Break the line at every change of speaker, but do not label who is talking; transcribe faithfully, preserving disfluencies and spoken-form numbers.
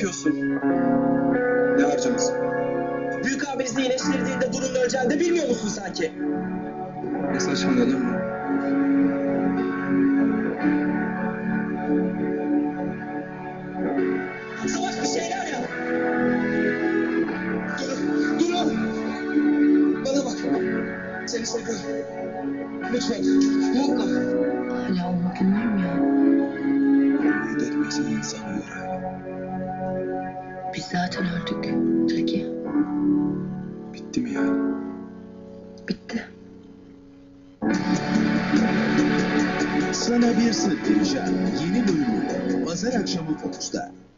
yapıyorsun? Ne harcaması?
Büyük abinizi iyileştirdiğinde Durun öleceğini de bilmiyor musun sanki?
Ne saçmalıyorsun lan bu?
Savaş bir şeyler yap. Durun, durun. Bana bak. Seni seviyorum. Lütfen, yapma.
Hala o günler mi ya?
Ümit etmese insan ölür abi.
Biz zaten öldük. Tilki.
Bitti mi yani?
Bitti.
Sana bir sır vereceğim. Yeni bölümüyle pazar akşamı Fox'ta.